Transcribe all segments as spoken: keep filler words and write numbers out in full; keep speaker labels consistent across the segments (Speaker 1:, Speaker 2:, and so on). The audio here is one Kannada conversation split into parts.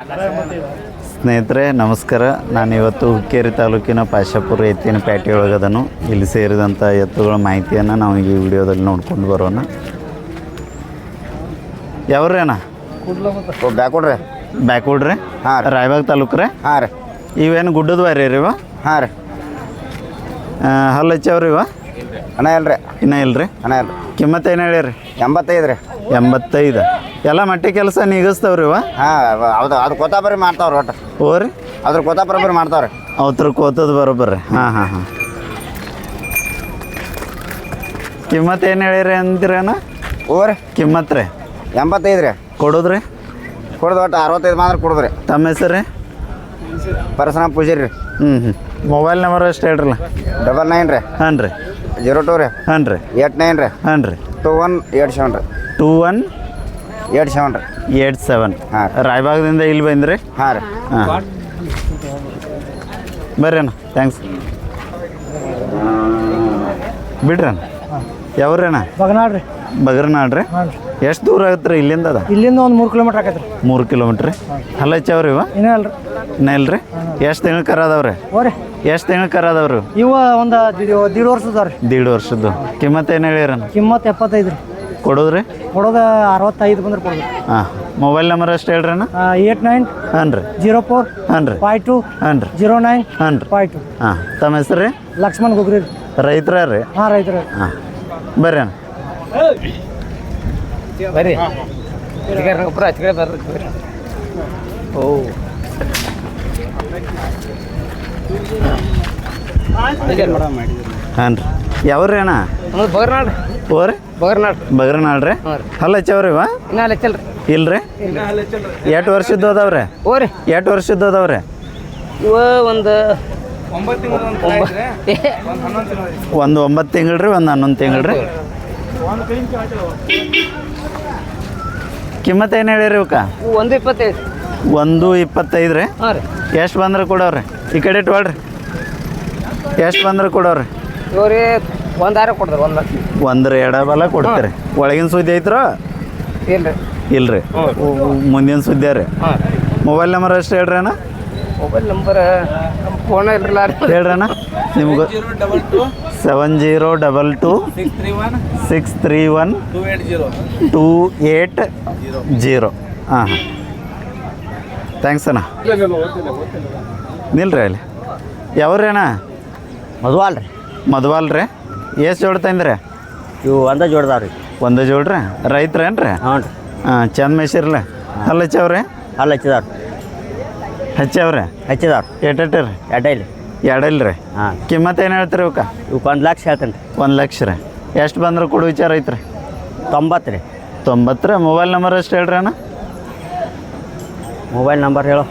Speaker 1: ಸ್ನೇಹಿತರೆ ನಮಸ್ಕಾರ. ನಾನಿವತ್ತು ಹುಕ್ಕೇರಿ ತಾಲೂಕಿನ ಪಾಶಾಪುರ ಎತ್ತಿನ ಪೇಟೆ ಒಳಗದನು. ಇಲ್ಲಿ ಸೇರಿದಂಥ ಎತ್ತುಗಳ ಮಾಹಿತಿಯನ್ನು ನಾವು ಈ ವಿಡಿಯೋದಲ್ಲಿ ನೋಡ್ಕೊಂಡು ಬರೋಣ. ಯಾವ್ರೇನ
Speaker 2: ಬ್ಯಾಕೊಡ್ರಿ
Speaker 1: ಬ್ಯಾಕ್ವರ್ಡ್ರಿ?
Speaker 2: ಹಾಂ ರೀ.
Speaker 1: ರಾಯಬಾಗ್ ತಾಲೂಕು ರೀ?
Speaker 2: ಹಾಂ ರೀ.
Speaker 1: ಇವೇನು ಗುಡ್ಡದ ವಾರಿ ರೀ ಇವ?
Speaker 2: ಹಾಂ ರೀ.
Speaker 1: ಹಲ್ಲು ಹಚ್ಚವ್ರಿ ಇವ?
Speaker 2: ಅಣ್ಣ ಇಲ್ರಿ.
Speaker 1: ಇನ್ನೂ ಇಲ್ರಿ?
Speaker 2: ಅಣ್ಣ ಇಲ್ರಿ.
Speaker 1: ಕಿಮ್ಮತ್ತು ಏನು ಹೇಳಿರಿ?
Speaker 2: ಎಂಬತ್ತೈದು ರೀ.
Speaker 1: ಎಂಬತ್ತೈದು. ಎಲ್ಲ ಮಟ್ಟಿ ಕೆಲಸ ನೀಗಿಸ್ತಾವ್ರಿ ಇವ?
Speaker 2: ಹಾಂ ಹೌದು. ಅದು ಕೊತ್ತಾಪರಿ ಮಾಡ್ತಾವ್ರಿ ಒಟ್ಟು.
Speaker 1: ಓ ರೀ?
Speaker 2: ಅದ್ರ ಕೊತ್ತಾಪರಿ ಮಾಡ್ತಾವ್ರಿ.
Speaker 1: ಅವತ್ರ ಕೋತದ ಬರೋಬ್ಬರ್ರಿ. ಹಾಂ ಹಾಂ ಹಾಂ. ಕಿಮ್ಮತ್ತು ಏನು ಹೇಳಿರಿ ಅಂತೀರೇನ?
Speaker 2: ಓ ರೀ.
Speaker 1: ಕಿಮ್ಮತ್ತು ರೀ
Speaker 2: ಎಂಬತ್ತೈದು ರೀ.
Speaker 1: ಕೊಡೋದ್ರಿ?
Speaker 2: ಕೊಡೋದು ಒಟ್ಟು ಅರವತ್ತೈದು ಮಾತ್ರ ಕೊಡೋದ್ರಿ.
Speaker 1: ತಮ್ಮ ಹೆಸರು ರೀ?
Speaker 2: ಪರಶುರಾಮ್ ಪೂಜಾರಿ ರೀ.
Speaker 1: ಹ್ಞೂ ಹ್ಞೂ. ಮೊಬೈಲ್ ನಂಬರ್ ಅಷ್ಟು ಹೇಳ್ರಲ್ಲ.
Speaker 2: ಡಬಲ್ ನೈನ್ ರೀ.
Speaker 1: ಹಾಂ ರೀ.
Speaker 2: ಜೀರೋ ಟು ರೀ.
Speaker 1: ಹಾಂ ರೀ.
Speaker 2: ಏಟ್ ನೈನ್ ರೀ.
Speaker 1: ಹಾಂ ರೀ.
Speaker 2: ಟು ಒನ್ ಏಟ್ ಸೆವೆನ್ ರೀ.
Speaker 1: ಟೂ ಒನ್
Speaker 2: ಏಟ್ ಸೆವೆನ್ ರೀ.
Speaker 1: Eight seven.
Speaker 2: ಹಾಂ.
Speaker 1: ರಾಯಬಾಗದಿಂದ ಇಲ್ಲಿ ಬಂದ್ರಿ?
Speaker 2: ಹಾಂ ರೀ.
Speaker 1: ಹಾಂ ಬರ್ರಿ ಅಣ್ಣ. ಥ್ಯಾಂಕ್ಸ್. ಬಿಡ್ರಿ ಅಣ್ಣ. ಯಾವ್ರಿ?
Speaker 3: ಬಗನಾಡ್ರಿ.
Speaker 1: ಬಗರ್ನಾಡ್ರಿ? ಎಷ್ಟು ದೂರ ಆಗತ್ತೆ ರೀ ಇಲ್ಲಿಂದ? ಅದ
Speaker 3: ಇಲ್ಲಿಂದ ಒಂದು ಮೂರು ಕಿಲೋಮೀಟ್ರ್ ಆಗತ್ತೆ ರೀ.
Speaker 1: ಮೂರು ಕಿಲೋಮೀಟ್ರ್ ರೀ. ಹಲ್ಲ ಹಚ್ಚವ್ರಿ ಇವ?
Speaker 3: ಇನ್ನೂ ಅಲ್ರಿ.
Speaker 1: ಇನ್ನೂ ಇಲ್ರಿ? ಎಷ್ಟು ತಿಂಗಳು ಕರ ಅದಾವ್ರಿ?
Speaker 3: ಓರಿ.
Speaker 1: ಎಷ್ಟು ತಿಂಗಳು ಕರ ಅದಾವ್ರಿ?
Speaker 3: ಇವ ಒಂದು ದೀಡ್ ವರ್ಷದ ರೀ.
Speaker 1: ದೀಡ್ ವರ್ಷದ್ದು. ಕಿಮ್ಮತ್ತು ಏನು ಹೇಳಿರಣ್ಣ?
Speaker 3: ಕಿಮ್ಮತ್ತು ಎಪ್ಪತ್ತೈದು ರೀ.
Speaker 1: ಕೊಡೋದ್ರಿ?
Speaker 3: ಕೊಡೋದು ಅರವತ್ತೈದು ಬಂದ್ರೆ ಕೊಡೋದು.
Speaker 1: ಹಾಂ. ಮೊಬೈಲ್ ನಂಬರ್ ಅಷ್ಟು ಹೇಳ್ರಿ ಅಣ್ಣ.
Speaker 3: ಏಟ್ ನೈನ್
Speaker 1: ಹಾಂ ರೀ.
Speaker 3: ಜೀರೋ ಫೋರ್
Speaker 1: ಹಾಂ ರೀ.
Speaker 3: ಫೈ ಟು
Speaker 1: ಹಾಂ ರೀ.
Speaker 3: ಜೀರೋ ನೈನ್
Speaker 1: ಹಾಂ ರೀ.
Speaker 3: Five two.
Speaker 1: ಹಾಂ. ತಮ್ಮ ಹೆಸರು ರೀ?
Speaker 3: ಲಕ್ಷ್ಮಣ್ ಗೊಗ್ರಿ ರೀ.
Speaker 1: ರೈತರ ರೀ?
Speaker 3: ಹಾಂ ರೈತರ.
Speaker 1: ಹಾಂ ಬರ್ರಿ ಅಣ್ಣ.
Speaker 3: ಬರ್ರಿ.
Speaker 1: ಓ ಹಾಂ ರೀ. ಯಾವ್ರಿ ಅಣ್ಣ?
Speaker 3: ಬಗರ್ನಾಡ್.
Speaker 1: ಓ ರೀ?
Speaker 3: ಬಗರ್ನಾಡ್.
Speaker 1: ಬಗರ್ನಾಳ್ ರೀ? ಹಲ್ಲ ಹಚ್ಚವ್ರಿ ಇವ?
Speaker 3: ಇನ್ನೂ ಹಚ್ಚಲ್ರಿ.
Speaker 1: ಇಲ್ರಿ? ಎಷ್ಟು ವರ್ಷದ್ದು ಅದಾವ್ರಿ?
Speaker 3: ಓ ರೀ.
Speaker 1: ಎಷ್ಟು ವರ್ಷದ್ದು ಅದಾವ್ರಿ?
Speaker 3: ಇವ ಒಂದು
Speaker 1: ಒಂದು ಒಂಬತ್ತು ತಿಂಗಳು ರೀ, ಒಂದು ಹನ್ನೊಂದು ತಿಂಗಳು ರೀ. ಕಿಮ್ಮತ್ತು ಏನು ಹೇಳಿರಿ ಇವಕ್ಕ?
Speaker 3: ಒಂದು ಇಪ್ಪತ್ತೈದು.
Speaker 1: ಒಂದು ಇಪ್ಪತ್ತೈದು ರೀ?
Speaker 3: ಹಾಂ ರೀ.
Speaker 1: ಎಷ್ಟು ಬಂದ್ರೆ ಕೊಡವ್ರಿ? ಈ ಕಡೆ ಇಟ್ಕೊಳ್ರಿ. ಎಷ್ಟು ಬಂದ್ರೆ ಕೊಡವ್ರಿ?
Speaker 3: ಇವ್ರಿ ಒಂದು ಆರ ಕೊಡ್ತಾರೆ. ಒಂದು ಲಕ್ಷ.
Speaker 1: ಒಂದ್ರ ಎಡಬಲ ಕೊಡ್ತೀರಿ. ಒಳಗಿನ ಸುದ್ದಿ ಐತ್ರೋ?
Speaker 3: ಇಲ್ಲ ರೀ.
Speaker 1: ಇಲ್ರಿ? ಮುಂದಿನ ಸುದ್ದಿ ರೀ.
Speaker 3: ಹಾಂ.
Speaker 1: ಮೊಬೈಲ್ ನಂಬರ್ ಅಷ್ಟು ಹೇಳ್ರಿ ಅಣ್ಣ.
Speaker 3: ಮೊಬೈಲ್ ನಂಬರ್ ನಮ್ಮ ಫೋನ್ ಇಲ್ರಲ್ಲ.
Speaker 1: ಹೇಳ್ರಿ ಅಣ್ಣ. ನಿಮ್ಗೆ seven zero double two six three one two eight zero. ಹಾಂ ಹಾಂ. ಥ್ಯಾಂಕ್ಸ್ ಅಣ್ಣ. ನಿಲ್ರಿ ಅಲ್ಲಿ. ಯಾವ್ರಿ ಅಣ್ಣ?
Speaker 2: ಮದುವಾಲ್ ರೀ.
Speaker 1: ಮದುವಾಲ್ ರೀ? ಎಷ್ಟು ಜೋಡ್ ತಂದ್ರಿ?
Speaker 2: ಇವು ಒಂದೇ ಜೋಡ್ದಾವ್ರಿ.
Speaker 1: ಒಂದೇ ಜೋಡ್ರಿ? ರೈತ್ರೇನು ರೀ?
Speaker 2: ಹ್ಞೂ ರೀ.
Speaker 1: ಹಾಂ. ಚಂದ ಮೇಸಿರ್ಲಿ. ಹಲ್ಲ ಹಚ್ಚವ್ರಿ?
Speaker 2: ಅಲ್ಲ ಹಚ್ಚಿದಾವ್ರಿ.
Speaker 1: ಹಚ್ಚವ್ರಿ?
Speaker 2: ಹಚ್ಚಿದಾವ್ರಿ.
Speaker 1: ಎಟ್ಟೆಟ್ಟಿ ರೀ?
Speaker 2: ಎಡ್ಡೈಲಿ.
Speaker 1: ಎರಡಲ್ಲ ರೀ?
Speaker 2: ಹಾಂ.
Speaker 1: ಕಿಮ್ಮತ್ತು ಏನು ಹೇಳ್ತೀರಿ ಇವಕ್ಕ?
Speaker 2: ಇವಕ್ಕೆ ಒಂದು ಲಕ್ಷ ಹೇಳ್ತೇನೆ ರೀ.
Speaker 1: ಒಂದು ಲಕ್ಷ ರೀ. ಎಷ್ಟು ಬಂದ್ರೆ ಕೊಡು ವಿಚಾರ ಐತ್ರಿ?
Speaker 2: ತೊಂಬತ್ತು ರೀ.
Speaker 1: ತೊಂಬತ್ತು ರೀ. ಮೊಬೈಲ್ ನಂಬರ್ ಅಷ್ಟು ಹೇಳ್ರಿ ಅಣ್ಣ.
Speaker 2: ಮೊಬೈಲ್ ನಂಬರ್ ಹೇಳು.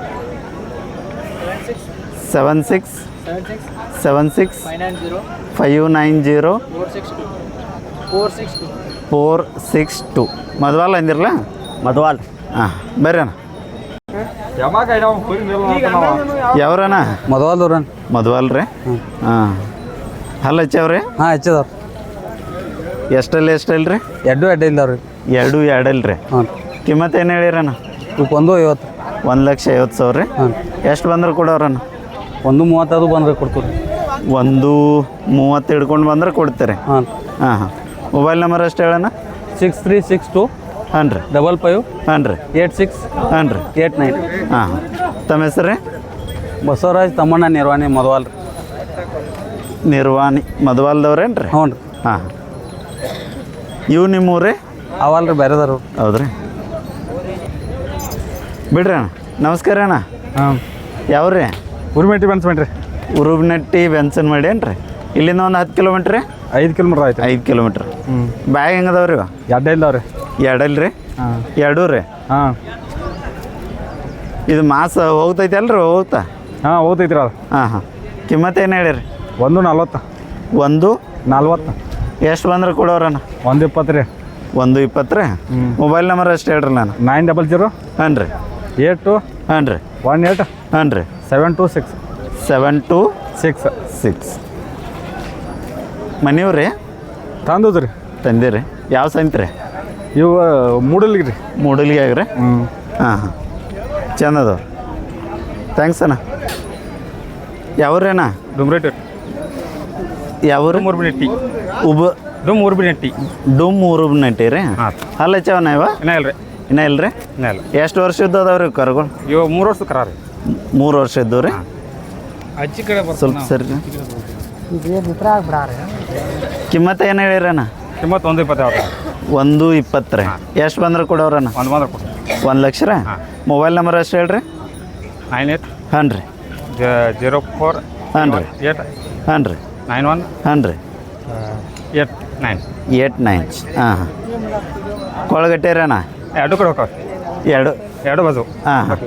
Speaker 1: Seven six seven six five nine zero four six two. ಮದುವಲ್ಲ ಅಂದಿರಲ್ಲ?
Speaker 2: ಮದುವಾಲ್.
Speaker 1: ಹಾಂ ಬರ್ರಿ ಅಣ್ಣ. ಯಾವ್ರಣ್ಣ?
Speaker 2: ಮದುವಾಲ್ದವ್ರ.
Speaker 1: ಮದುವಲ್ ರೀ? ಹಾಂ. ಹಲ್ಲ ಹಚ್ಚವ್ರಿ?
Speaker 2: ಹಾಂ ಹಚ್ಚಿದವ್ರಿ.
Speaker 1: ಎಷ್ಟಲ್ಲಿ ಎಷ್ಟಲ್ಲ ರೀ?
Speaker 2: ಎರಡು ಎಡ್ಡೆ ಇಲ್ದವ್ರಿ.
Speaker 1: ಎರಡು ಎರಡಲ್ಲ ರೀ?
Speaker 2: ಹ್ಞೂ.
Speaker 1: ಕಿಮ್ಮತ್ತು ಏನು ಹೇಳಿರಣ್ಣ?
Speaker 2: ಇವಕ್ಕೆ ಒಂದು ಐವತ್ತು.
Speaker 1: ಒಂದು ಲಕ್ಷ ಐವತ್ತು ಸಾವಿರ ರೀ?
Speaker 2: ಹಾಂ.
Speaker 1: ಎಷ್ಟು ಬಂದ್ರೆ ಕೊಡೋರಣ್ಣ?
Speaker 2: ಒಂದು ಮೂವತ್ತದು ಬಂದ್ರೆ ಕೊಡ್ತೀವಿ.
Speaker 1: ಒಂದು ಮೂವತ್ತು ಹಿಡ್ಕೊಂಡು ಬಂದ್ರೆ ಕೊಡ್ತೀರಿ?
Speaker 2: ಹಾಂ.
Speaker 1: ಹಾಂ ಹಾಂ. ಮೊಬೈಲ್ ನಂಬರ್ ಅಷ್ಟು ಹೇಳಣ್ಣ.
Speaker 2: ಸಿಕ್ಸ್ ತ್ರೀ ಸಿಕ್ಸ್ ಟು
Speaker 1: ಹಾಂ ರೀ.
Speaker 2: ಡಬಲ್ ಫೈವ್
Speaker 1: ಹಾಂ ರೀ.
Speaker 2: ಏಟ್ ಸಿಕ್ಸ್
Speaker 1: ಹಾಂ ರೀ.
Speaker 2: Eight nine.
Speaker 1: ಹಾಂ ಹಾಂ. ತಮ್ಮ ಹೆಸರು ರೀ?
Speaker 2: ಬಸವರಾಜ್ ತಮ್ಮಣ್ಣ ನಿರ್ವಾಣಿ ಮದುವಾಲ್.
Speaker 1: ನಿರ್ವಾಣಿ ಮದುವಾಲ್ದವ್ರೇನು ರೀ?
Speaker 2: ಹ್ಞೂ ರೀ.
Speaker 1: ಹಾಂ ಹಾಂ. ಇವು ನಿಮ್ಮೂರೇ?
Speaker 2: ಅವಲ್ರಿ ಬೇರೆದವ್ರು.
Speaker 1: ಹೌದ್ರಿ? ಬಿಡ್ರಿ ಅಣ್ಣ. ನಮಸ್ಕಾರ ಅಣ್ಣ.
Speaker 2: ಹಾಂ.
Speaker 1: ಯಾವ್ರಿ?
Speaker 2: ಉರ್ಮೆಟ್ಟಿ ಬನ್ಸ್ಬೇಡ್ರಿ.
Speaker 1: ಉರುಬ್ನಟ್ಟಿ ಬೆನ್ಸನ್ ಮಾಡಿ ಏನು ರೀ? ಇಲ್ಲಿಂದ ಒಂದು ಹತ್ತು ಕಿಲೋಮೀಟ್ರ್ ರೀ?
Speaker 2: ಐದು ಕಿಲೋಮೀಟ್ರ್ ಆಯ್ತು.
Speaker 1: ಐದು ಕಿಲೋಮೀಟ್ರ್.
Speaker 2: ಹ್ಞೂ.
Speaker 1: ಬ್ಯಾಗ್ ಹೆಂಗೆ ಅದಾವ ರೀ?
Speaker 2: ಎಡ್ಡೆ ಇಲ್ದವ್ರಿ.
Speaker 1: ಎರಡಲ್ಲ ರೀ?
Speaker 2: ಹಾಂ.
Speaker 1: ಎರಡೂ ರೀ?
Speaker 2: ಹಾಂ.
Speaker 1: ಇದು ಮಾಸ ಹೋಗ್ತೈತೆ ಅಲ್ರಿ? ಹೋಗ್ತಾ?
Speaker 2: ಹಾಂ ಹೋಗ್ತೈತ್ರಿ ಅದು.
Speaker 1: ಹಾಂ ಹಾಂ. ಕಿಮ್ಮತ್ತು ಏನು ಹೇಳಿರಿ?
Speaker 2: ಒಂದು ನಲ್ವತ್ತು.
Speaker 1: ಒಂದು
Speaker 2: ನಲ್ವತ್ತು.
Speaker 1: ಎಷ್ಟು ಬಂದ್ರೆ ಕೊಡೋರಣ್ಣ?
Speaker 2: ಒಂದು ಇಪ್ಪತ್ತು ರೀ.
Speaker 1: ಒಂದು ಇಪ್ಪತ್ತು ರೀ? ಮೊಬೈಲ್ ನಂಬರ್ ಅಷ್ಟು ಹೇಳ್ರಿ ನಾನು.
Speaker 2: ನೈನ್ ಡಬಲ್ ಜೀರೋ
Speaker 1: ಹಾಂ ರೀ.
Speaker 2: ಏಟ್ ಟು
Speaker 1: ಹಾಂ ರೀ.
Speaker 2: ಒನ್ ಏಟ್
Speaker 1: ಹಾಂ ರೀ.
Speaker 2: Seven two six
Speaker 1: seven two
Speaker 2: six
Speaker 1: six. ಮನೆಯವ್ರಿ?
Speaker 2: ತಂದದ್ದು ರೀ.
Speaker 1: ತಂದಿರಿ? ಯಾವ ಸಂತ್ರಿ?
Speaker 2: ಇವು ಮೂಡಲ್ಗಿ ರೀ.
Speaker 1: ಮೂಡಲ್ಗಿ ಆಗ್ರಿ?
Speaker 2: ಹ್ಞೂ.
Speaker 1: ಹಾಂ ಹಾಂ. ಚಂದ ಅದಾವ್ರಿ ಥ್ಯಾಂಕ್ಸ್ ಅಣ್ಣ ಯಾವ್ರೇನ
Speaker 2: ಡುಮ್ರೇಟ್
Speaker 1: ಯಾವ್ರು
Speaker 2: ಮೂರ್ಬಿನೆಟ್ಟಿ
Speaker 1: ಉಬ
Speaker 2: ಡುಮ್ ಮೂರ್ಬಿನೆಟ್ಟಿ
Speaker 1: ಡುಮ್ ಊರು ನಟಿ ರೀ
Speaker 2: ಹಾಂ
Speaker 1: ಅಲ್ಲ ಚವನ ಇವ
Speaker 2: ಇನ್ನ ಇಲ್ಲ ರೀ
Speaker 1: ಇನ್ನ ಇಲ್ರಿ
Speaker 2: ಇನ್ನ ಇಲ್ಲ
Speaker 1: ಎಷ್ಟು ವರ್ಷದ್ದು ಅದಾವ್ರಿ ಕರುಗಳು
Speaker 2: ಇವಾಗ ಮೂರು ವರ್ಷ ಕರ ರೀ
Speaker 1: ಮೂರು ವರ್ಷ ಇದ್ದು ರೀ
Speaker 2: ಅಜ್ಜಿ ಕಡೆ
Speaker 1: ಸ್ವಲ್ಪ ಸರಿ ಕಿಮ್ಮತ್ತ ಏನು ಹೇಳಿರಣ್ಣ
Speaker 2: ಕಿಮ್ಮತ್ತು ಒಂದು ಇಪ್ಪತ್ತೇಳು
Speaker 1: ಒಂದು ಇಪ್ಪತ್ತು ರೀ ಎಷ್ಟು ಬಂದ್ರೆ ಕೊಡೋರಣ್ಣ
Speaker 2: ಒಂದು ಬಂದ್ರೆ ಕೊಡು
Speaker 1: ಒಂದು ಲಕ್ಷ ರೀ ಮೊಬೈಲ್ ನಂಬರ್ ಅಷ್ಟು ಹೇಳ್ರಿ
Speaker 2: ನೈನ್ ಏಟ್
Speaker 1: ಹಾಂ ರೀ
Speaker 2: ಜೀರೋ ಫೋರ್
Speaker 1: ಹಾಂ ರೀ
Speaker 2: ಏಟ್
Speaker 1: ಹಾಂ ರೀ
Speaker 2: ನೈನ್ ಒನ್
Speaker 1: ಹಾಂ ರೀ
Speaker 2: ಏಟ್ ನೈನ್
Speaker 1: ಏಟ್ ನೈನ್ ಹಾಂ ಹಾಂ ಕೊಳಗಟ್ಟೆ ರೀ ಅಣ್ಣ
Speaker 2: ಎರಡು ಕಡೆ ಹೋಗ್ತಾವೆ
Speaker 1: ಎರಡು
Speaker 2: ಎರಡು ಬಾಜು
Speaker 1: ಹಾಂ ಹಾಂ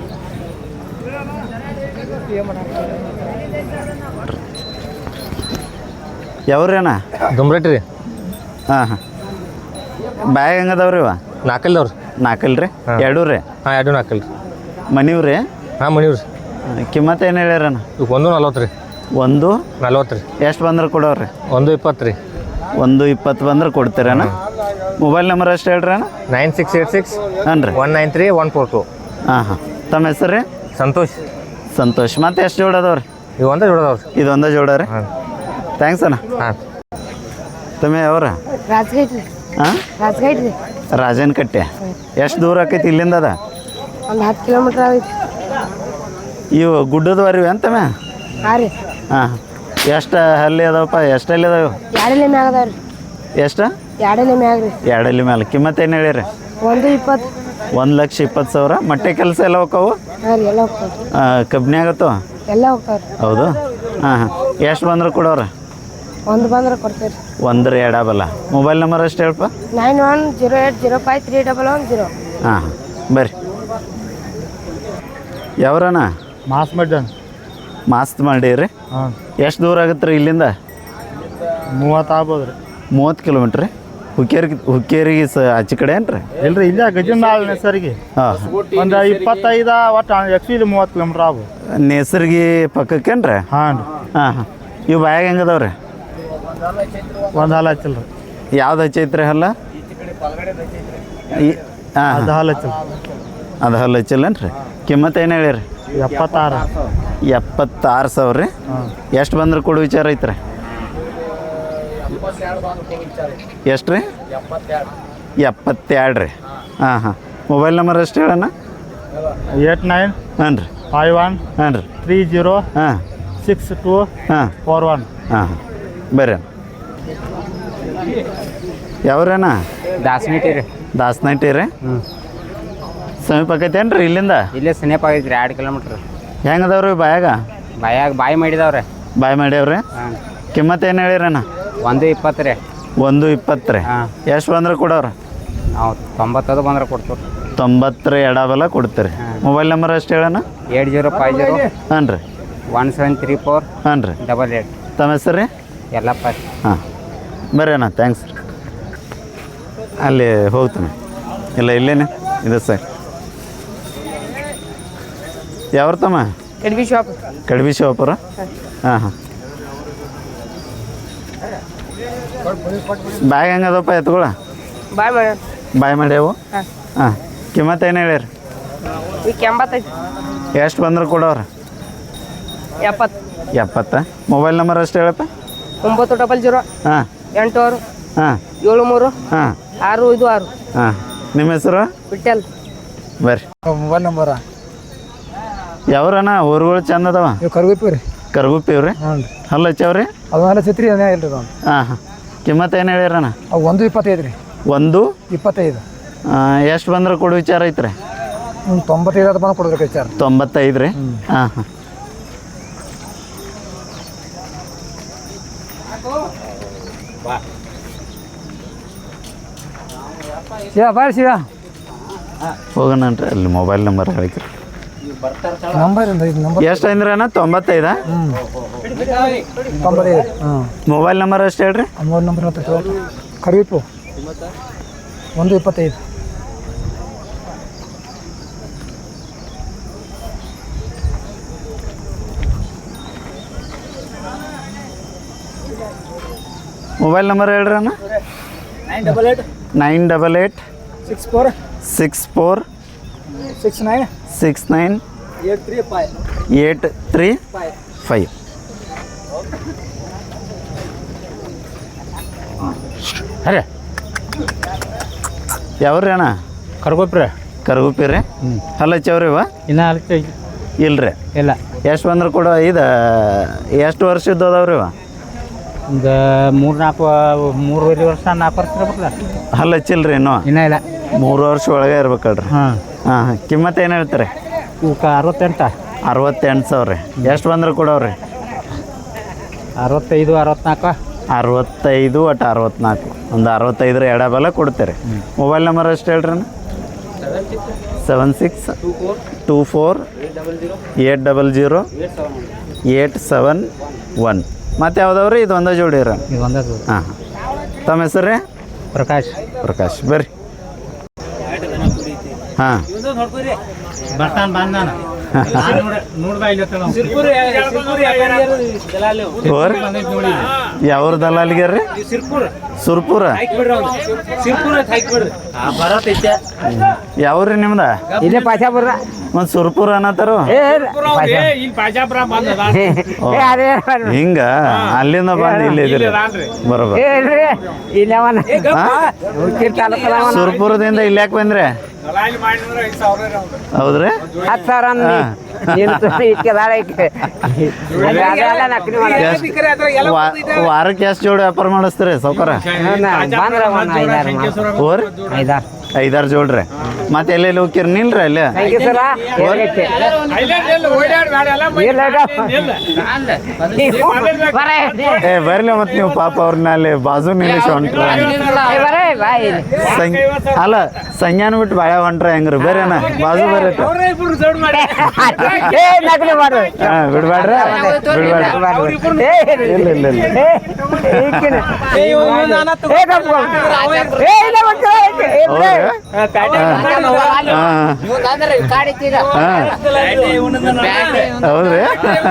Speaker 1: ಯಾವ್ರಿ ಅಣ್ಣ
Speaker 4: ದುಮ್ರೇಟ್ ರೀ
Speaker 1: ಹಾಂ ಹಾಂ ಬ್ಯಾಗ್ ಹೆಂಗದವ್ರಿ ಇವ
Speaker 4: ನಾಲ್ಕಲ್ದವ್ರಿ
Speaker 1: ನಾಲ್ಕಲ್ ರೀ ಎರಡು ರೀ
Speaker 4: ಹಾಂ ಎರಡು ನಾಲ್ಕಲ್ ರೀ
Speaker 1: ಮನಿವ್ ರೀ
Speaker 4: ಹಾಂ ಮಣಿವ್ ರೀ
Speaker 1: ಕಿಮ್ಮತ್ತು ಏನು ಹೇಳ್ಯಾರಣ್ಣ
Speaker 4: ಈಗ ಒಂದು ನಲ್ವತ್ತು ರೀ
Speaker 1: ಒಂದು
Speaker 4: ನಲ್ವತ್ತು ರೀ
Speaker 1: ಎಷ್ಟು ಬಂದ್ರೆ ಕೊಡೋರಿ
Speaker 4: ಒಂದು ಇಪ್ಪತ್ತು ರೀ
Speaker 1: ಒಂದು ಇಪ್ಪತ್ತು ಬಂದ್ರೆ ಕೊಡ್ತೀರಣ್ಣ ಮೊಬೈಲ್ ನಂಬರ್ ಅಷ್ಟು ಹೇಳ್ರಿ ಅಣ್ಣ
Speaker 4: ನೈನ್ ಸಿಕ್ಸ್ ಏಟ್ ಸಿಕ್ಸ್
Speaker 1: ಹಾಂ ರೀ
Speaker 4: one nine three one four two
Speaker 1: ಹಾಂ ಹಾಂ ತಮ್ಮ ಹೆಸರು ರೀ
Speaker 4: ಸಂತೋಷ್
Speaker 1: ಸಂತೋಷ್ ಮತ್ತೆ ಎಷ್ಟು ಜೋಡದವ್ರಿ
Speaker 4: ಇವು ಒಂದೇ ಜೋಡದವ್ರಿ
Speaker 1: ಇದೊಂದೇ ಜೋಡ ರೀ
Speaker 4: ಹಾಂ
Speaker 1: ಥ್ಯಾಂಕ್ಸ್ ಅಣ್ಣ
Speaker 4: ಹಾಂ
Speaker 1: ತಮ್ಮ ಯಾವ್ರ
Speaker 5: ರಾಜಗೇಟ್ ರೀ
Speaker 1: ಹಾಂ
Speaker 5: ರಾಜಗೇಟ್ ರೀ
Speaker 1: ರಾಜನ್ ಕಟ್ಟೆ ಎಷ್ಟು ದೂರ ಆಕೈತಿ ಇಲ್ಲಿಂದ ಅದ
Speaker 5: ಒಂದು ಹತ್ತು ಕಿಲೋಮೀಟ್ರ್ ಆಗೈತಿ
Speaker 1: ಇವು ಗುಡ್ಡದವರಿ ಅಂತಮ್ಮ
Speaker 5: ಹಾಂ ರೀ
Speaker 1: ಹಾಂ ಎಷ್ಟು ಹಲ್ಲಿ ಅದಾವಪ್ಪ ಎಷ್ಟು ಹಲ್ಲಿ ಅದಾವ
Speaker 5: ಎರಡಲೆ ಮ್ಯಾಗ ಅದಾವ ರೀ
Speaker 1: ಎಷ್ಟು
Speaker 5: ಎರಡಲೆ ಮ್ಯಾಗ ರೀ
Speaker 1: ಎರಡಲ್ಲಿ ಮೇಲೆ ಕಿಮ್ಮತ್ತು ಏನು ಹೇಳಿರಿ
Speaker 5: ಒಂದು ಇಪ್ಪತ್ತು
Speaker 1: ಒಂದು ಲಕ್ಷ ಇಪ್ಪತ್ತು ಸಾವಿರ ಮೊಟ್ಟೆ ಕೆಲಸ ಎಲ್ಲ ಹೋಕ್ಕವು
Speaker 5: ಹಾಂ ರೀ ಎಲ್ಲ ಹೋಗ್ತಾವೆ
Speaker 1: ಕಬ್ನಿ ಆಗತ್ತೋ
Speaker 5: ಎಲ್ಲ ಹೋಗ್ತಾವೆ ರೀ
Speaker 1: ಹೌದು ಹಾಂ ಹಾಂ ಎಷ್ಟು ಬಂದ್ರೆ ಕೊಡೋರ
Speaker 5: ಒಂದು ಬಂದ್ರೆ ಕೊಡ್ತೀವಿ ರೀ
Speaker 1: ಒಂದ್ರ ಎಡಬಲ್ಲ ಮೊಬೈಲ್ ನಂಬರ್ ಅಷ್ಟು ಹೇಳಪ್ಪ
Speaker 5: nine one zero eight zero five three double one zero
Speaker 1: ಹಾಂ ಹಾಂ ಬರ್ರಿ ಯಾವ್ರಣ್ಣ
Speaker 2: ಮಾಸ್ ಮಡ್ಡ
Speaker 1: ಮಾಸ್ತ್ ಮಾಡೀರಿ
Speaker 2: ಹಾಂ
Speaker 1: ಎಷ್ಟು ದೂರ ಆಗುತ್ತೆ ರೀ ಇಲ್ಲಿಂದ
Speaker 2: ಮೂವತ್ತು ಆಗ್ಬೋದು ರೀ
Speaker 1: ಮೂವತ್ತು ಕಿಲೋಮೀಟ್ರ್ ರೀ ಹುಕ್ಕೇರಿ ಹುಕ್ಕೇರಿಗೆ ಸ ಆಚೆ ಕಡೆ ಏನು ರೀ
Speaker 2: ಇಲ್ರಿ ಇಲ್ಲೇ ಗಜನಾಳ್ ಹೆಸರಿಗೆ
Speaker 1: ಹಾಂ
Speaker 2: ಒಂದು ಇಪ್ಪತ್ತೈದು ಒಟ್ಟು ಆ್ಯಕ್ಚುಲಿ ಮೂವತ್ತು ಕಿಲೋಮೀಟ್ರ್ ಆಗ್ಬೋದು
Speaker 1: ನೇಸರ್ಗಿ ಪಕ್ಕಕ್ಕೇನು ರೀ
Speaker 2: ಹಾಂ ರೀ
Speaker 1: ಹಾಂ ಹಾಂ ಇವು ಬಾಯಾಗ ಹೆಂಗದವ ರೀ
Speaker 2: ಒಂದು ಹಾಲು ಹಚ್ಚಿಲ್ಲ ರೀ
Speaker 1: ಯಾವ್ದು ಹಚ್ಚೈತ್ರಿ ಹಲ್ಲ ಈ ಹಾಂ
Speaker 2: ಅದು ಹಾಲು ಹಚ್ಚಿಲ್ಲ
Speaker 1: ಅದು ಹಲ್ಲ ಹಚ್ಚಿಲ್ಲೇನು ರೀ ಕಿಮ್ಮತ್ತು ಏನು ಹೇಳಿರಿ
Speaker 2: ಎಪ್ಪತ್ತಾರು
Speaker 1: ಎಪ್ಪತ್ತಾರು ಸಾವಿರ ರೀ ಎಷ್ಟು ಬಂದ್ರೆ ಕೊಡು ವಿಚಾರ ಐತ್ರಿ ಎಷ್ಟು ರೀ ಎಪ್ಪತ್ತೆರಡು ರೀ ಹಾಂ ಹಾಂ ಮೊಬೈಲ್ ನಂಬರ್ ಎಷ್ಟು ಹೇಳಣ್ಣ
Speaker 2: ಏಟ್ ನೈನ್
Speaker 1: ಹಾಂ ರೀ
Speaker 2: ಫೈವ್ ಒನ್
Speaker 1: ಹಾಂ ರೀ
Speaker 2: ತ್ರೀ ಜೀರೋ
Speaker 1: ಹಾಂ
Speaker 2: ಸಿಕ್ಸ್ ಟು
Speaker 1: ಹಾಂ
Speaker 2: ಫೋರ್ ಒನ್
Speaker 1: ಹಾಂ ಹಾಂ ಬರ್ರಿ ಅಣ್ಣ ಯಾವ್ರೇನ
Speaker 3: ದಾಸನಟ್ಟಿ ರೀ
Speaker 1: ದಾಸನಟ್ಟಿ ರೀ ಸಮೀಪ ಆಕೈತೇನು ರೀ ಇಲ್ಲಿಂದ
Speaker 3: ಇಲ್ಲೇ ಸಮೀಪ ಆಗೈತಿ ರೀ ಎರಡು ಕಿಲೋಮೀಟ್ರ್
Speaker 1: ಹೆಂಗದವ್ರಿ ಬಾಯಾಗ
Speaker 3: ಬಾಯಾಗ ಬಾಯಿ ಮಾಡಿದವ್ರೆ
Speaker 1: ಬಾಯ್ ಮಾಡ್ಯಾವ್ರಿ
Speaker 3: ಹಾಂ
Speaker 1: ಕಿಮ್ಮತ್ತು ಏನು ಹೇಳಿರಣ್ಣ
Speaker 3: ಒಂದು ಇಪ್ಪತ್ತು ರೀ
Speaker 1: ಒಂದು ಇಪ್ಪತ್ತು ರೀ
Speaker 3: ಹಾಂ
Speaker 1: ಎಷ್ಟು ಬಂದ್ರೆ ಕೊಡೋರು
Speaker 3: ನಾವು ತೊಂಬತ್ತದು ಬಂದ್ರೆ ಕೊಡ್ತೀವಿ
Speaker 1: ತೊಂಬತ್ತರ ಎಡಬಲ ಕೊಡ್ತೀರಿ ಮೊಬೈಲ್ ನಂಬರ್ ಅಷ್ಟು ಹೇಳಣ್ಣ
Speaker 3: ಏಟ್ ಜೀರೋ ಫೈವ್ ಜೀರೋ
Speaker 1: ಹಾಂ ರೀ
Speaker 3: ಒನ್ ಸೆವೆನ್ ತ್ರೀ ಫೋರ್
Speaker 1: ಹಾಂ ರೀ
Speaker 3: ಡಬಲ್ ಏಟ್
Speaker 1: ತಮ್ಮ ಹೆಸರು ರೀ
Speaker 3: ಎಲ್ಲಪ್ಪ
Speaker 1: ಹಾಂ ಬರ್ರಿ ಅಣ್ಣ ಥ್ಯಾಂಕ್ಸ್ ರೀ ಅಲ್ಲಿ ಹೋಗ್ತೀನಿ ಇಲ್ಲ ಇಲ್ಲೇನೆ ಇದೆ ಸರ್ ಯಾವ್ರ ತಮ್ಮ
Speaker 5: ಎಡ್ಬಿ ಶಾಪ್
Speaker 1: ಕಡ್ಬಿ ಶಿವಪುರ ಹಾಂ ಹಾಂ ಬ್ಯಾಗ್ ಹೆಂಗದಪ್ಪ ಎತ್ಕೊಳ
Speaker 5: ಬಾಯ್ ಮಾಡ್ಯಾರ
Speaker 1: ಬಾಯ್ ಮಾಡ್ಯಾವು
Speaker 5: ಹಾಂ
Speaker 1: ಹಾಂ ಕಿಮ್ಮತ್ತು ಏನು ಹೇಳಿರಿ
Speaker 5: ಈಗ ಎಂಬತ್ತೈತಿ
Speaker 1: ಎಷ್ಟು ಬಂದ್ರೆ ಕೊಡೋರು
Speaker 5: ಎಪ್ಪತ್ತು
Speaker 1: ಎಪ್ಪತ್ತ ಮೊಬೈಲ್ ನಂಬರ್ ಅಷ್ಟು ಹೇಳಪ್ಪ
Speaker 5: ಒಂಬತ್ತು ಡಬಲ್ ಜೀರೋ
Speaker 1: ಹಾಂ
Speaker 5: ಎಂಟು ಆರು
Speaker 1: ಹಾಂ
Speaker 5: ಏಳು ಮೂರು
Speaker 1: ಹಾಂ
Speaker 5: ಆರು ಐದು ಆರು
Speaker 1: ಹಾಂ ನಿಮ್ಮ ಹೆಸರು
Speaker 5: ಬಿಟ್ಟಲ್
Speaker 1: ಬರ್ರಿ
Speaker 2: ಮೊಬೈಲ್ ನಂಬರ
Speaker 1: ಯಾವ್ರಣ್ಣ ಊರುಗಳು ಚಂದ ಅದಾವ
Speaker 2: ಇವು ಕರ್ಗುಪ್ಪಿ ರೀ
Speaker 1: ಕರ್ಗುಪ್ಪಿ ಅವ್ರಿ
Speaker 2: ಹ್ಞೂ ರೀ
Speaker 1: ಹಲ್ಲ ಹಚ್ಚವ್ರಿ
Speaker 2: ಅದು ಮೇಲೆ ಚಿತ್ರಿ ಅದೇ ಇಲ್ಲ ರೀ ಅದು
Speaker 1: ಹಾಂ ಹಾಂ ಕಿಮ್ಮತ್ತು ಏನು ಹೇಳಿರಣ್ಣ
Speaker 2: ಅವು ಒಂದು ಇಪ್ಪತ್ತೈದು ರೀ
Speaker 1: ಒಂದು
Speaker 2: ಇಪ್ಪತ್ತೈದು
Speaker 1: ಎಷ್ಟು ಬಂದ್ರೆ ಕೊಡು ವಿಚಾರ ಐತ್ರಿ
Speaker 2: ಹ್ಞೂ ತೊಂಬತ್ತೈದು ಅದು ಬಂದು ಕೊಡ್ಬೇಕು ವಿಚಾರ
Speaker 1: ತೊಂಬತ್ತೈದು ರೀ ಹಾಂ ಹಾಂ
Speaker 2: ಶಿವ ಬಾಯ್ ಶಿವ
Speaker 1: ಹೋಗೋಣನ್ರಿ ಅಲ್ಲಿ ಮೊಬೈಲ್ ನಂಬರ್ ಹೇಳಿಕ್ರಿ
Speaker 2: ನಂಬರ್ ಇದು ನಂಬರ್
Speaker 1: ಎಷ್ಟು ಅಂದ್ರೆ ಅಣ್ಣ ತೊಂಬತ್ತೈದಾ
Speaker 2: ತೊಂಬತ್ತೈದು ಹಾಂ
Speaker 1: ಮೊಬೈಲ್ ನಂಬರ್ ಅಷ್ಟು ಹೇಳ್ರಿ
Speaker 2: ಮೂರು ನಂಬರ್ ಹೇಳ್ತಾರೆ ಕರಿವಿಪ್ಪು ಒಂದು ಇಪ್ಪತ್ತೈದು
Speaker 1: ಮೊಬೈಲ್ ನಂಬರ್ ಹೇಳ್ರಿ ಅಣ್ಣ
Speaker 2: nine double eight
Speaker 1: nine double eight
Speaker 2: six four
Speaker 1: six four
Speaker 2: six nine
Speaker 1: six nine eight three five.
Speaker 4: ಅರೆ
Speaker 1: ಯಾವ್ರಿ ಅಣ್ಣ?
Speaker 4: ಕರ್ಗೋಪ್ರಿ
Speaker 1: ಕರ್ಗುಪ್ಪಿ ರೀ. ಹಲ್ಲಚ್ಚವ್ರಿ ಇವ?
Speaker 4: ಇನ್ನ ಅಲ್ಕ
Speaker 1: ಇಲ್ರಿ.
Speaker 4: ಇಲ್ಲ.
Speaker 1: ಎಷ್ಟು ಬಂದ್ರೆ ಕೂಡ ಇದು ಎಷ್ಟು ವರ್ಷದ್ದು ಅದಾವ್ರಿ ಇವ?
Speaker 4: ಒಂದು ಮೂರು ನಾಲ್ಕು ಮೂರುವರೆ ವರ್ಷ ನಾಲ್ಕು ವರ್ಷ ಇರ್ಬೇಕಲ್ಲ.
Speaker 1: ಹಲ್ಲಚ್ಚಿಲ್ರಿ ಇನ್ನೂ?
Speaker 4: ಇನ್ನೂ ಇಲ್ಲ.
Speaker 1: ಮೂರು ವರ್ಷ ಒಳಗೆ ಇರ್ಬೇಕಲ್ರಿ. ಹಾಂ ಹಾಂ ಹಾಂ. ಕಿಮ್ಮತ್ತು ಏನು ಹೇಳ್ತಾರೆ?
Speaker 4: ಇವಕ್ಕೆ ಅರವತ್ತೆಂಟು.
Speaker 1: ಅರವತ್ತೆಂಟು ಸಾವಿರ ರೀ. ಎಷ್ಟು ಬಂದ್ರೆ ಕೊಡವ್ರಿ?
Speaker 4: ಅರವತ್ತೈದು ಅರವತ್ನಾಲ್ಕು.
Speaker 1: ಅರವತ್ತೈದು ಒಟ್ಟು ಅರವತ್ನಾಲ್ಕು. ಒಂದು ಅರವತ್ತೈದರ ಎಡಬಲ ಕೊಡ್ತೀರಿ. ಮೊಬೈಲ್ ನಂಬರ್ ಅಷ್ಟು ಹೇಳ್ರಿ ಅಣ್ಣ. Seven six two four eight double zero eight seven one. ಮತ್ತು ಯಾವ್ದವ್ರಿ? ಇದು ಒಂದೇ ಜೋಡಿ ರೀ?
Speaker 4: ಇದು ಒಂದೇ.
Speaker 1: ಹಾಂ ಹಾಂ. ತಮ್ಮ ಹೆಸರು ರೀ?
Speaker 4: ಪ್ರಕಾಶ್.
Speaker 1: ಪ್ರಕಾಶ್ ಬರ್ರಿ. ಹಾಂ
Speaker 4: ಬರ್ತಾನೆ ಬಂದಾನ.
Speaker 1: ಯಾವ್ರ ದಲ್ಲಾಳಿಗೆ ರೀ? ಸುರ್ಪುರ. ಯಾವ್ರಿ ನಿಮ್ದ?
Speaker 4: ಇಲ್ಲೇ ಪಾಶಾಪುರ.
Speaker 1: ಮತ್ತು ಸುರ್ಪುರ ಅನ್ನತ್ತಾರು ಹಿಂಗ ಅಲ್ಲಿಂದ ಬಂದು ಇಲ್ಲಿ ಇದ್ರಿ ಬರೋಬರ್. ಸುರ್ಪುರದಿಂದ ಇಲ್ಲಿ ಯಾಕೆ ಬಂದ್ರೆ? ಹೌದ್ರಿ?
Speaker 4: ಹತ್ತು ಸಾವಿರ
Speaker 1: ವಾರಕ್ಕೆ ಎಷ್ಟು ಜೋಡಿ ವ್ಯಾಪಾರ ಮಾಡಿಸ್ತೀರಿ ಸೌಕರ? ಓರ್ ಐದಾರು ಜೋಡ್ರಿ. ಮತ್ತೆ ಎಲ್ಲೆಲ್ಲಿ ಹೋಗ್ತೀರಿ? ನಿಲ್ರಿ ಅಲ್ಲೇ. ಏ ಬರ್ಲಿ ಮತ್ತೆ ನೀವು ಪಾಪ ಅವ್ರನ್ನ ಅಲ್ಲಿ ಬಾಜು ನಿಲ್ಲಿಸಿ ಹೊಂಟ್ರ. ಅಲ್ಲ ಸಂಜ್ಞಾನ ಬಿಟ್ಟು ಬಾಳೆ ಹೊಂಟ್ರ ಹೆಂಗ್ರಿ? ಬೇರೆನ ಬಾಜು ಬೇರೆ. ಹಾಂ ಬಿಡ್ಬೇಡ್ರಿ ಬಿಡ್ಬೇಡ್ರಿ. ಇಲ್ಲ ಇಲ್ಲ ಇಲ್ಲ. ಹೌದ್ರಿ?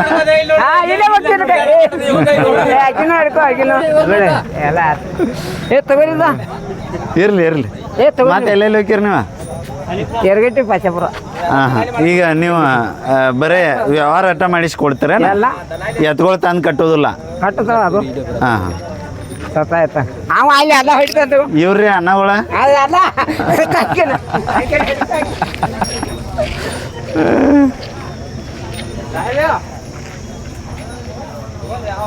Speaker 1: ಇರ್ಲಿ ಇರ್ಲಿ. ಮತ್ತೆ ಎಲ್ಲೆಲ್ಲಿ ಹೋಗ್ತೀರಿ ನೀವು?
Speaker 4: ಎರಗಟ್ಟಿ ಪಾಶಾಪುರ.
Speaker 1: ಹಾಂ ಹಾಂ. ಈಗ ನೀವು ಬರೇ ವ್ಯವಹಾರ ಅಟ್ಟ ಮಾಡಿಸ್ಕೊಡ್ತೀರ? ಎತ್ಕೊಳ್ ತಂದು ಕಟ್ಟೋದಿಲ್ಲ?
Speaker 4: ಕಟ್ಟುತ್ತಾವ ಅದು.
Speaker 1: ಹಾಂ ಹಾಂ.
Speaker 4: ಸತ್ತಾಯ್ತ ಅವ ಅಲ್ಲಿ ಅಲ್ಲ ಹೊಡಿತಂದು
Speaker 1: ಇವ್ರಿ ಅನ್ನಗಳ
Speaker 4: ಅಲ್ಲ